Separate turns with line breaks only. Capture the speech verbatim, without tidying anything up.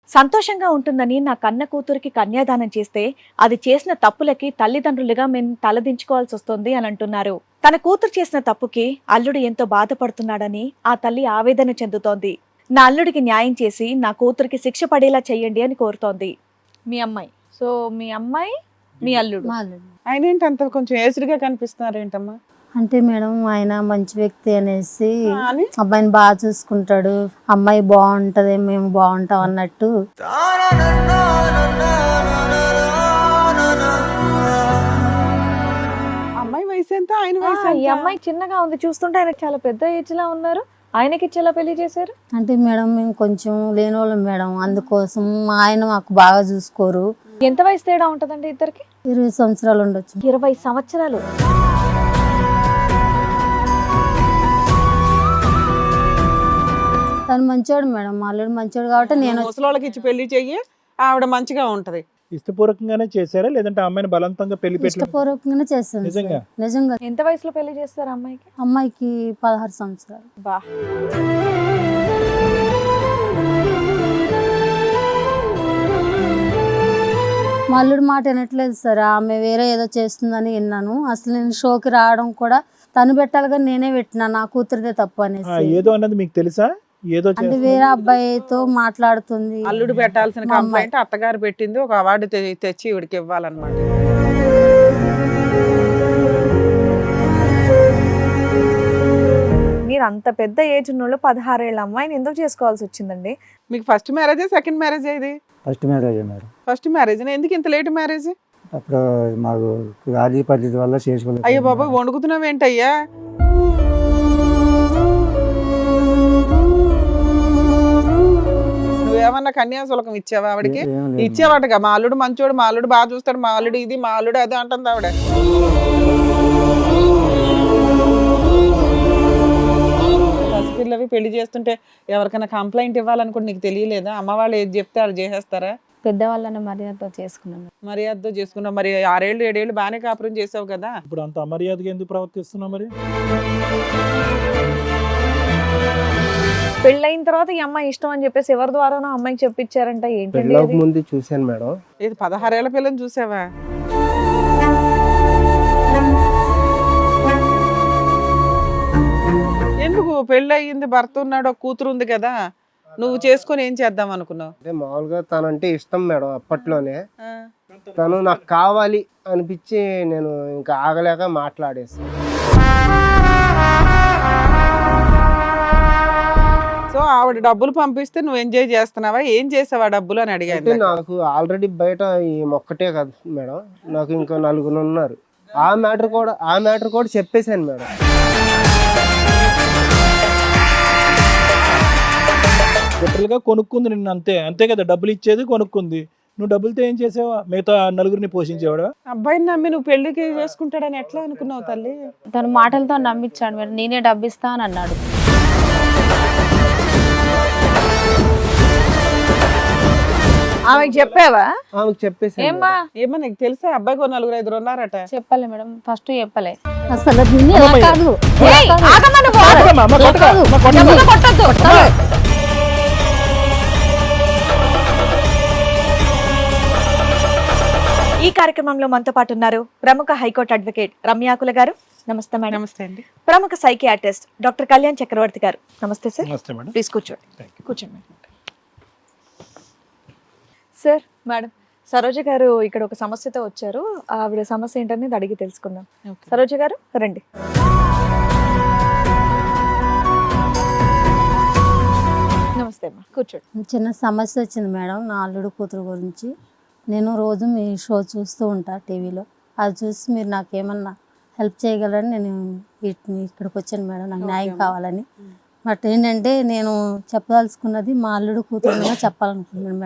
సంతోషంగా ఉంటుందని నా కన్న కూతురికి కన్యాదానం చేస్తే అది చేసిన తప్పులకి తల్లిదండ్రులుగా మేము తలదించుకోవాల్సి వస్తుంది అని అంటున్నారు. తన కూతురు చేసిన తప్పుకి అల్లుడు ఎంతో బాధపడుతున్నాడని ఆ తల్లి ఆవేదన చెందుతోంది. నా అల్లుడికి న్యాయం చేసి నా కూతురికి శిక్ష పడేలా చెయ్యండి అని కోరుతోంది.
మీ అమ్మాయి. సో మీ అమ్మాయి మీ అల్లుడు.
మా అల్లుడు.
ఆయన ఏంటి అంత కొంచెం ఏసుడిగా కనిపిస్తున్నారు ఏంటమ్మా?
అంటే మేడం ఆయన మంచి వ్యక్తి అనేసి
ఆ, అని
అబ్బాయిని బాగా చూసుకుంటాడు, అమ్మాయి బాగుంటది, మేము బాగుంటాం అన్నట్టు.
అమ్మాయి వయసు ఎంత, ఆయన
ఆ,
వయసు
ఈ
ఎంత?
అమ్మాయి చిన్నగా ఉంది, చూస్తుంటే ఆయన చాలా పెద్ద ఏజ్ లా ఉన్నారు. ఆయనకి ఇచ్చేలా పెళ్లి చేశారు.
అంటే మేడం మేము కొంచెం లేనోళ్ళం మేడం, అందుకోసం మా ఆయన మాకు బాగా చూసుకోరు.
ఎంత వయసు తేడా ఉంటదండి ఇద్దరికి?
ఇరవై సంవత్సరాలు ఉండొచ్చు.
ఇరవై సంవత్సరాలు.
తను మంచోడు మేడం, మా అల్లుడు మంచోడు కాబట్టి నేను
ముసలోళ్ళకి ఇచ్చి పెళ్లి చెయ్యి, ఆవిడ మంచిగా ఉంటది.
ఇష్టపూర్వకంగానే చేశారా లేదంటే అమ్మాయిని బలవంతంగా పెళ్లి పెట్టి
ఇష్టపూర్వకంగానే చేస్తాను సార్.
నిజంగా?
నిజంగా.
ఎంత వయసులో పెళ్లి చేస్తారు అమ్మాయికి?
అమ్మాయికి పదహారు సంవత్సరాలు.
బా.
మా అల్లుడు మాట వినట్లేదు సార్, ఆమె వేరే ఏదో చేస్తుందని విన్నాను. అసలు నేను షోకి రావడం కూడా తను పెట్టాలి కానీ నేనే పెట్టినా, నా కూతురిదే తప్పు
ఆ,
అనేసి.
ఏదో అన్నది మీకు తెలుసా? ఏదో
అంటే
చేస్తుంది.
వేరే అబ్బాయితో మాట్లాడుతుంది.
అల్లుడు పెట్టాల్సిన
మా అమ్మాయి.
కంప్లైంట్ అత్తగారు పెట్టింది, ఒక అవార్డు తె- తెచ్చి ఇవిడికి ఇవ్వాలన్నమాట.
మీరు అంత పెద్ద ఏజ్ ఉన్నోళ్ళు పదహారేళ్ళ అమ్మాయిని ఎందుకు చేసుకోవాల్సి వచ్చిందండి?
మీకు ఫస్ట్ మ్యారేజ్ సెకండ్ మ్యారేజ్ ఇది?
First marriage madam.
First marriage. ఎందుకు ఇంత లేట్ మ్యారేజ్?
అప్పుడు మాకు రాజీ పద్ధతి వల్ల చేసుకోలేదు.
అయ్యో బాబాయ్, వణుకుతున్నావు ఏంటయ్యా? నువ్వేమన్నా కన్యాశుల్కం ఇచ్చావా ఆవిడకి?
ఏం లేదు.
ఇచ్చేవాటగా, మా అల్లుడు మంచోడు, మా అల్లుడు బాగా చూస్తాడు, మా అల్లుడు ఇది, మా అల్లుడు అది అంటుంది ఆవిడ. పసిపిల్లవి పెళ్లి చేస్తుంటే ఎవరికైనా కంప్లైంట్ ఇవ్వాలనుకుంటే నీకు తెలియలేదా? అమ్మ వాళ్ళు ఏది చెప్తే వాళ్ళు చేసేస్తారా?
పెద్దవాళ్ళని మర్యాదతో చేసుకున్నాను.
మర్యాదతో చేసుకున్నావు. మరి ఆరేళ్ళు ఏడేళ్ళు బాగానే కాపురం చేసావు కదా.
ఇప్పుడు అంత అమర్యాదగా ఎందుకు ప్రవర్తిస్తున్నావు మరి?
పెళ్ళైన తర్వాత ఈ అమ్మాయి ఇష్టం అని చెప్పేసి ఎవరి ద్వారానో అమ్మాయికి చెప్పించారంట. ఏంటండి
పెళ్ళికి
అది?
ముందు చూశాను మేడం.
ఇది పదహారేళ్ల పిల్లని చూసావా? ఎందుకు పెళ్ళి అయ్యింది, భర్త ఉన్నాడు, ఒక కూతురు ఉంది కదా, నువ్వు చేసుకొని ఏం చేద్దాం అనుకున్నావు?
అంటే మామూలుగా తనంటే ఇష్టం మేడం. అప్పట్లోనే తను నాకు కావాలి అనిపించి నేను ఇంకా ఆగలేక మాట్లాడేసి.
సో ఆవిడ డబ్బులు పంపిస్తే నువ్వు ఎంజాయ్ చేస్తున్నావా? ఏం చేసావా డబ్బులు అని
అంటే
అడిగాను.
నాకు ఆల్రెడీ బయట ఈ మొక్కటే కదా మేడం, నాకు ఇంకో నలుగురు ఉన్నారు. ఆ మ్యాటర్ కూడా ఆ మ్యాటర్ కూడా చెప్పేశాను మేడం.
లిటరల్ గా కొనుక్కుంది నిన్ను, అంతే అంతే కదా. డబ్బులు ఇచ్చేది కొనుక్కుంది. నువ్వు డబ్బులతో ఏం చేసావా? మిగతా నలుగురిని పోషించేవాడా?
అబ్బాయిని నమ్మి నువ్వు పెళ్లికి చేసుకుంటాడని ఎట్లా అనుకున్నావు తల్లి?
తను మాటలతో నమ్మించాడు మేడం, నేనే డబ్బిస్తా అని అన్నాడు.
ఆమెకి చెప్పావా?
ఆమెకు చెప్పేశాను
ఏమ్మా?
మేడం.
ఏమో నీకు తెలుసా అబ్బాయికి ఓ నలుగురు ఐదుగురు ఉన్నారట?
చెప్పలే మేడం, ఫస్ట్ చెప్పలే.
అసలు నిన్ను ఎలా కాదు, ఎలా
ఏయ్,
కాదు.
ఆగమ్మా నువ్వు.
కొట్టకమ్మా, అమ్మ, కొట్టక, అమ్మ, కొట్టక.
ఎవరిని కొట్టొద్దు. ఈ కార్యక్రమంలో మనతో పాటు ఉన్నారు ప్రముఖ హైకోర్టు అడ్వకేట్ రమ్యాకుల గారు. నమస్తే మేడం.
నమస్తే అండి.
ప్రముఖ సైకియాట్రిస్ట్ డాక్టర్ కళ్యాణ్ చక్రవర్తి గారు. నమస్తే సార్.
నమస్తే మేడం.
ప్లీజ్ కూర్చోండి.
Thank you.
కూర్చోండి madam. Sir, madam, Saroja garu ఇక్కడ ఒక సమస్యతో వచ్చారు. ఆవిడ సమస్య ఏంటనేది అడిగి తెలుసుకుందాం. సరోజ గారు రండి. నమస్తే అమ్మా, కూర్చోండి.
చిన్న సమస్య వచ్చింది మేడం, నా అల్లుడు కూతురు గురించి. నేను రోజు మీ షో చూస్తూ ఉంటా టీవీలో, అది చూసి మీరు నాకు ఏమన్నా హెల్ప్ చేయగలరని నేను వీటిని ఇక్కడికి వచ్చాను మేడం. నాకు న్యాయం కావాలని. బట్ ఏంటంటే నేను చెప్పదలుచుకున్నది మా అల్లుడు కూతురు చెప్పాలనుకుంటున్నాను మేడం.